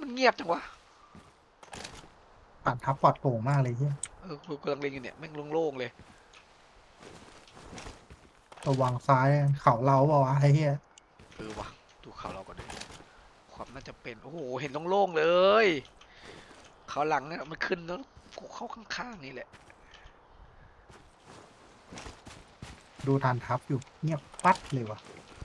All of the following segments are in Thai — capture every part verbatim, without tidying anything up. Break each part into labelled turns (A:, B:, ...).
A: มันเงียบจังวะ
B: ผ่านทับปลอดโปร่งมากเลยเฮีย
A: เออกูกำลังเล็งอยู่เนี่ยแม่งโล่งๆเลย
B: ระวังซ้ายเขาเราเปล่าวะไอ้เฮีย
A: เออวะดูเขาเราก่อนดิความน่าจะเป็นโอ้โหเห็นโล่งๆเลยเขาหลังเนี่ยมันขึ้นแล้วกูเข้าข้างๆนี่แหละ
B: ดูทานทับอยู่เงียบปัดเลยวะ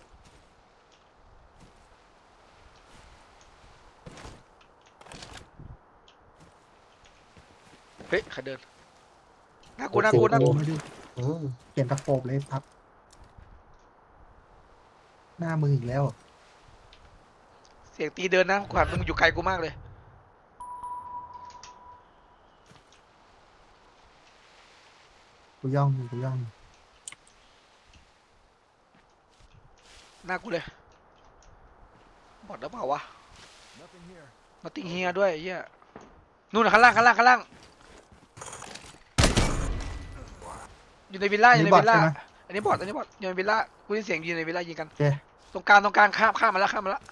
A: เฮ้ยใครเดินน่ากลัวน่ากลัวน่ากลัว
B: ไม่ได้เออเปลี่ยนตะโขบเลยครับหน้ามืออีกแล้ว
A: เสียงตีเดินนะขวานมึงอยู่ไกลกูมากเลย
B: กูย่องอยู่กูย่องอยู่
A: หน้ากูเลยบอดหรือเปล่าวะมาติงเฮียด้วยเฮียนู่นนะข้างล่างข้างล่างข้างล่างอยู่ในวิลล่าอยู่ในวิลล่าอันนี้บอดอันนี้บอดอยู่ในวิลล่ากูได้ยินเสียงอยู่ในวิลล่ายิงกัน
B: เจ๊
A: ตรงกลางตรงกลางข้ามข้ามมาแล้วข้ามมาแล้ว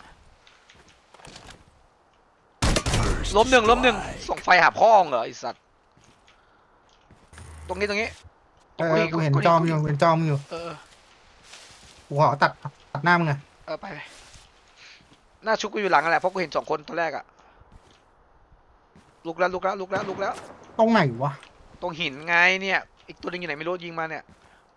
A: ล้มหนึ่งล้มหนึ่งส่งไฟหาพ่อเหรอไอสัตว์ตรงนี้ตรงนี้
B: เออกูเห็นจอมอยู่เห็นจอมอยู่
A: เออ
B: กูขอตัดตัดหน้ามึงไง
A: เออไปไปหน้าชุกกูอยู่หลังอะไรเพราะกูเห็นสองคนตอนแรกอะลุกแล้วลุกแล้วลุกแล้วลุกแล้ว
B: ตรงไหนวะ
A: ตรงหินไงเนี่ยอีกตัวหนึงอยู่ไหนไม่รู้ยิงมาเนี่ย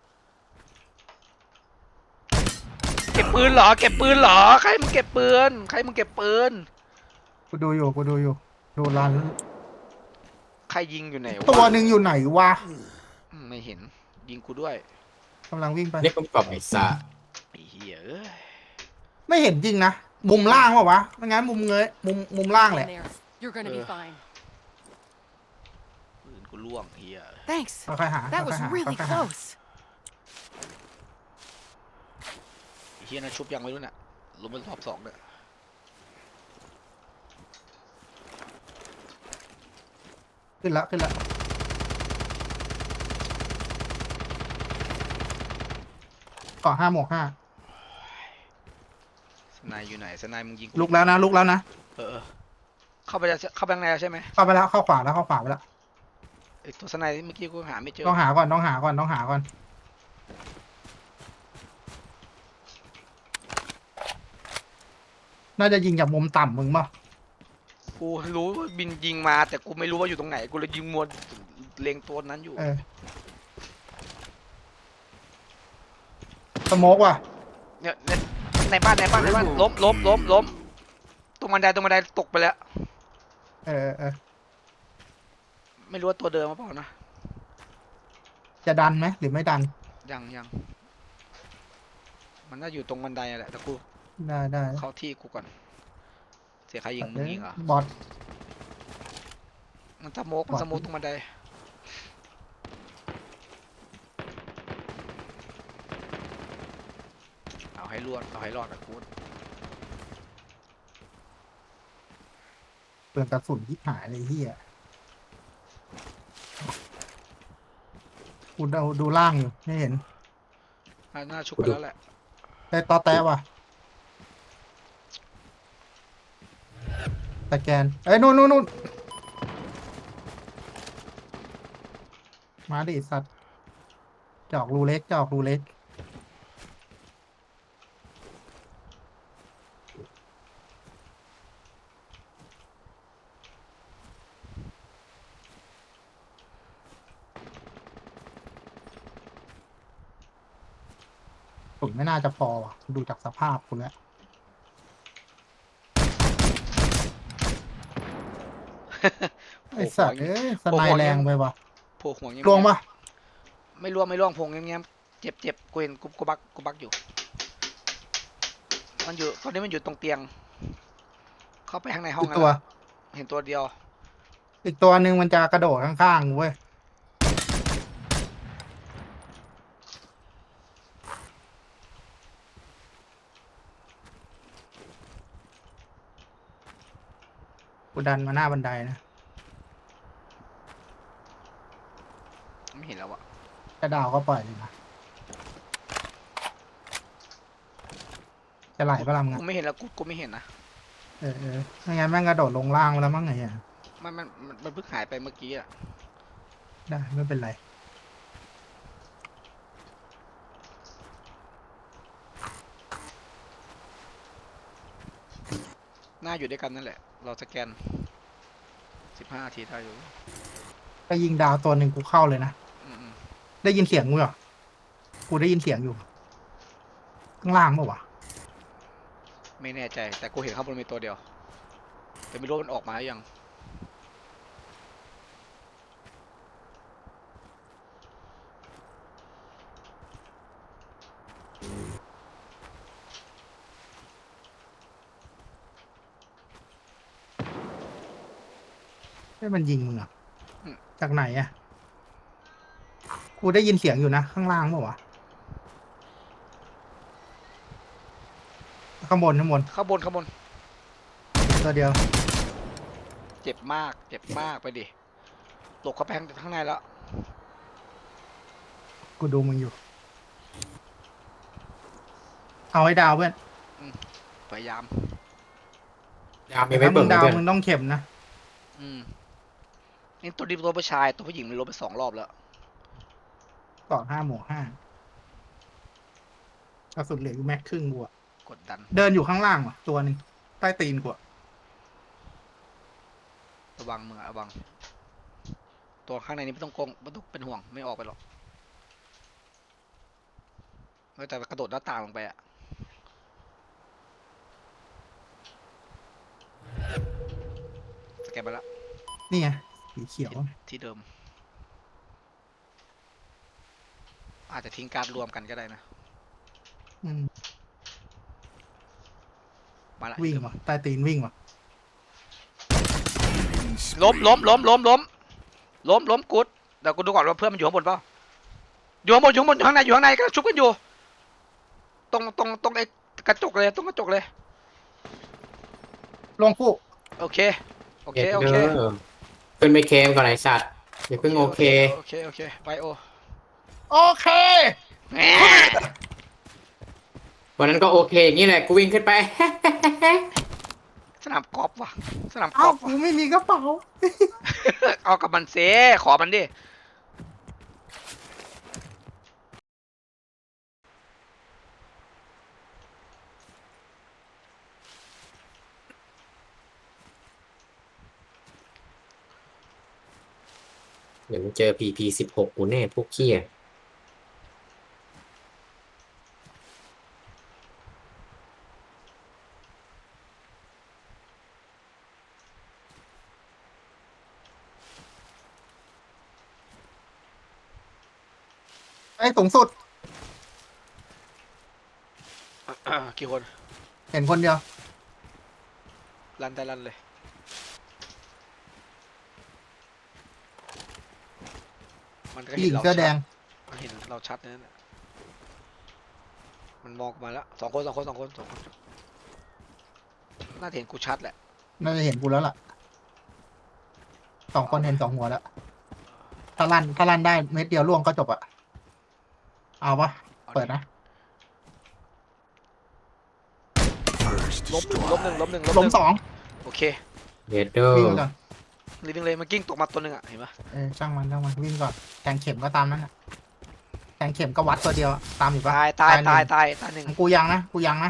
A: เก็บปืนเหรอเก็บปืนเหรอใครมึงเก็บปืนใครมึงเก็บปืน
B: กูดูอยู่กูดูอยู่ดูรัน
A: ใครยิงอยู่ไหน
B: ตัว
A: วะ
B: หนึ่งอยู่ไหนวะ
A: อืมไม่เห็นยิงกูด้วย
B: กำลังวิ่งไป
C: เรียกคำตอบไอ้ซ่า
A: ไอ้เหี้ยเอ้ย
B: ไม่เห็นจริงนะมุมล่างวะวะไม่งั้นมุมเงยมุมมุมล่างแหละ
D: There. You're gonna be fine.
A: ปืนกูล่วงเหี้ย
D: Thanks.
B: ค่อยๆหา
D: That
B: ค่อย
D: was
B: ๆหา
D: really
B: ค่อยๆหา
D: close.
A: ไอ้เหี้ยนะชุบยังไม่รู้เนี่ยลงมารอบสองเนี่ย
B: ขึ้นละขึ้นละเกาะห้าหมวกห้า
A: สนายอยู่ไหนสนายมึงยิง
B: ลุกแล้วนะลุกแล้วนะ
A: เออเออเข้าไปจะเข้าไปข้างในแล้วใช่ไหม
B: เข้าไปแล้วเข้าขวาแล้วเข้าขวาไปแล้ว
A: ไอ้ตัวสนายเมื่อกี้กูหาไม่เจอ
B: ต้องหาก่อนต้องหาก่อนต้องหาก่อนน่าจะยิงจากมุมต่ำมึงป่ะ
A: กูรู้ว่าบินยิงมาแต่กูไม่รู้ว่าอยู่ตรงไหนกูเลยยิงมวนเล็งตัวนั้นอยู่
B: เออสโมกว่ะ
A: เนี่ยในในบ้านในบ้านในบ้านล้มล้มล้มล้มตรงบันไดตรงบันไดตกไปแล้ว
B: เออเออ
A: ไม่รู้ว่าตัวเดิมหรือเปล่านะ
B: จะดันไหมหรือไม่ดัน
A: ยังยังมันน่าอยู่ตรงบันไดแหละแต่กู
B: ได้ได้
A: เข้าที่กูก่อนเสียใครยิงมึงยิงเหรอบ
B: อท
A: มันสโมกมันสโมกตรงบันไดเอาให้รอดเอาให้รอดนะกู
B: เปลืองกระสุนที่หายเลยเฮียกูดูดูล่างอยู่ไม่เห็น
A: น่าชุบไปแล้วแหละ
B: แต่ตอแตะว่ะตะแกนเอ้ยนู่นนู่นนู่นมาดิสัตว์จอกรูเล็กจอกรูเล็กสุดไม่น่าจะพอว่ะดูจากสภาพคุณแล้วไอสัตว์เอ้ยสไนแรงไปว่ะ
A: โผล่หัวเงี้ย
B: ลวงปะ
A: ไม่ล่วงไม่ล่วงพงเงี้ยเจ็บเจ็บกูเห็นกูกูบักกูบักอยู่มันอยู่ตอนนี้มันอยู่ตรงเตียง เข้าไปข้างในห้อง
B: อีก
A: แล้ว
B: ตัว
A: เห็นตัวเดียว
B: อีกตัวหนึ่งมันจะกระโดดข้างๆเว้ยกูดันมาหน้าบันไดนะ
A: ไม่เห็นแล้วอะ
B: จะดาวก็ปล่อยเลยนะจะไหลปะลำงัน
A: กูไม่เห็นแล้วกูกูไม่เห็นนะ
B: เออเออไม่งั้นแม่งกระโดดลงล่างมาแล้วมั้งไงอ่ะ
A: มันมันมันมันเพิ่งหายไปเมื่อกี้อะ
B: ได้ไม่เป็นไร
A: หน้าอยู่ด้วยกันนั่นแหละ เราสแกนสิบห้านาทีได้อยู่
B: ก็ยิงดาวตัวหนึ่งกูเข้าเลยนะ
A: อืมอืม
B: ได้ยินเสียงกูเหรอกูได้ยินเสียงอยู่ ข้างล่างปะวะ
A: ไม่แน่ใจ แต่กูเห็นข้างบนมีตัวเดียว แต่ไม่รู้มันออกมาหรือยัง
B: ให้มันยิงมึงเหรอ่ะ
A: อืม
B: จากไหนอ่ะ กูได้ยินเสียงอยู่นะ ข้างล่างปะวะ ข้างบนข้างบน
A: ข้างบนข้างบน
B: ตัวเดียว
A: เจ็บมาก เจ็บมากไปดิตกเข้าไปข้างข้างในแล้ว
B: กูดูมึงอยู่ เอาให้ดาวเพื่อน
A: พยายาม
C: ยามมี
B: แต่
C: ไม่
B: ถ้ามึ
C: เปิด
B: งดาว
C: เพื่อน
B: มึงต้องเข็มนะ
A: อืมนี่ตัวดีตัวผู้ชายตัวผู้หญิงมันลบไปสองรอบแล้ว
B: ต่อห้าหมวกห้ากระสุนเหลืออยู่แม็กครึ่งกูอะ
A: กดดัน
B: เดินอยู่ข้างล่างว่ะ ตัวหนึ่งใต้ตีนกูอะ
A: ระวังมือระวัง ตัวข้างในนี้ไม่ต้องกงไม่ต้องเป็นห่วงไม่ออกไปหรอกเฮ้ยแต่กระโดดหน้าต่างลงไปอะสแกนไปแล้ว
B: นี่ไงสีเขียว
A: ที่เดิม อาจจะทิ้งการดรวมกันก็ได้นะ
B: อืม
A: มาละ
B: วิ่ง
A: ที่เดิม
B: ว่ะใต้ตีนวิ่งว่ะ
A: ล้มล้มล้มล้มล้มล้มล้มกุดเดี๋ยวกูดูก่อนว่าเพื่อนมันอยู่ข้างบนเปล่าอยู่ข้างบนอยู่ข้างบนอยู่ข้างในอยู่ข้างในก็ชุบกันอยู่ ตรงตรงตรงไอ้กระจกเลยตรงกระจกเลย
B: ลงคู่
A: โอเคโอเค
C: เอ็ด
A: โอ
C: เด
A: เค
C: อร์ขึ้นไปเคมก่อนไอสัตว์อย่าเพิ่งโอเค
A: โอเคโอเคไปโอ
B: โอเค
A: แหม
C: วันนั้นก็โอเคอย่างนี้แหละกูวิ่งขึ้นไป
A: สนามกอล์ฟว่ะสนามก
B: เอ้า
A: อล์ฟ
B: กู
A: ว่ะ
B: ไม่มีกระเป๋า
A: เอากับมันเซขอมันดิ
C: เดี๋ยวมึงเจอพีพีสิบหกกูแน่พวกเขี้ย
B: ไอ้สูงสุด
A: กี่คน
B: เห็นคนเดียว
A: รันแต่รันเลยมันก็
B: ผู้ห
A: เห็
B: ญิ
A: น
B: ง
A: เรา
B: เสื้อแด
A: ชัด
B: ง
A: มันเห็นเราชัดนั่นแหละมันมองมาแล้วสองคนสองคนสองคนสองคนน่าจะเห็นกูชัดแหละ
B: น่าจะเห็นกูแล้วล่ะ สองคนเห็นสองหัวแล้ว ถ้าลั่นถ้าลั่นได้เม็ดเดียวล่วงก็จบอะเอาปะ
A: อา
B: เปิดนะ
A: ล้มหนึ่งล้มหนึ่งล้มหนึ่งล้มห
B: ล้ม
A: นึ่ง
B: สอง
A: โอเค
C: เอ็ดเดอ
B: วิ่ง
C: ร์
B: ไปก่อน
A: รีวิ่งเลยมันกิ้งตกมาตัวหนึ่งอ่ะเห็นปะ
B: เออช่างมันช่างมันวิ่งก่อนแทงเข็มก็ตามนั้นอะแทงเข็มก็วัดตัวเดียวอะตามอยู่ปะ
A: ตายตาย
B: หนึ่ง
A: ตายตายตายหนึ่ง
B: กูยังนะกูยังนะ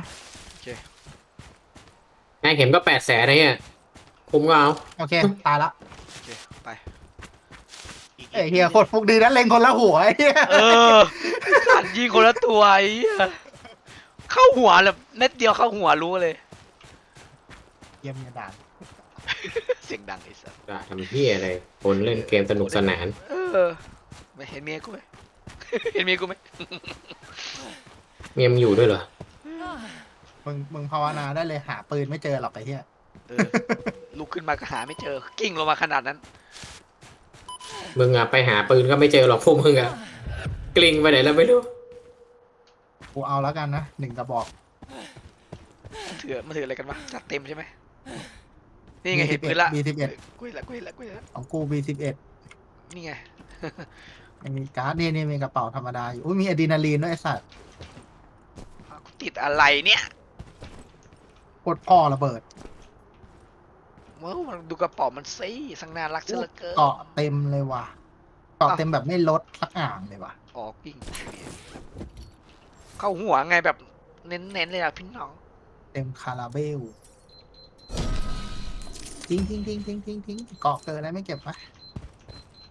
C: แม่เข็มก็แปดแสนนะเนี่ยคุ้มก็เอา
B: โอเค ตายละ
A: โอเคไปอีก
B: เอ้ยเฮียโคตรฟุกดีนะเล็งคนละหัวไอ้เฮีย
A: เออสัตว์ยิงคนละตัวไอ้เหี้ยเข้าหัวแบบเม็ดเดียวเข้าหัวรู้เลย
B: เยี่ยมเมียด่าน
A: เสียงดังไอ้สัส
C: ด่าทำเฮียอะไรคนเล่นเกมสนุกสนาน
A: เออไม่เห็นเมียกูไหม เห็นเมียกูไหม
C: เมียมงอยู่ด้วยเหรอ
B: มึงมึงภาวนาได้เลยหาปืนไม่เจอหรอกไอ้เฮีย
A: เออลุกขึ้นมาก็หาไม่เจอ กิ้งลงมาขนาดนั้น
C: มึงอะไปหาปืนก็ไม่เจอหรอกพวกมึงอะกลิ้งไปไหนแล้วไม่รู้
B: กูเอาแล้วกันนะหนึ่งกระบอก
A: ถือมาถืออะไรกันวะจัดเต็มใช่ไหมนี่ไงเห็นปืนละ
B: บีสิบเอ็ด
A: กูเห็นละกูเห็นละกูเห็นละ
B: ของกูบีสิบเอ็ด
A: นี่ไง
B: ยังมีการ์ดนี่นี่มีกระเป๋าธรรมดาอยู่อุ้ยมีอะดรีนาลีนด้วยไอ้สัตว์
A: อ้าวกูติดอะไรเนี่ย
B: โคตรพ่อระเบิด
A: เมื่อมันดูกระเป๋ามันซิสังน่ารักเสียเหลือเกิน
B: เกาะเต็มเลยว่ะเกาะ
A: อ้าว
B: เต็มแบบไม่ลดสักอ่างเลยว่ะ
A: ออกกิ้งเข้าหัวไงแบบเน้นๆเลยอะพี่น้อง
B: เต็มคาราเบลทิ้งทิ้งทิ้งทิ้งทิ้งทิ้งเกาะเกินแล้วไม่เก็บวะ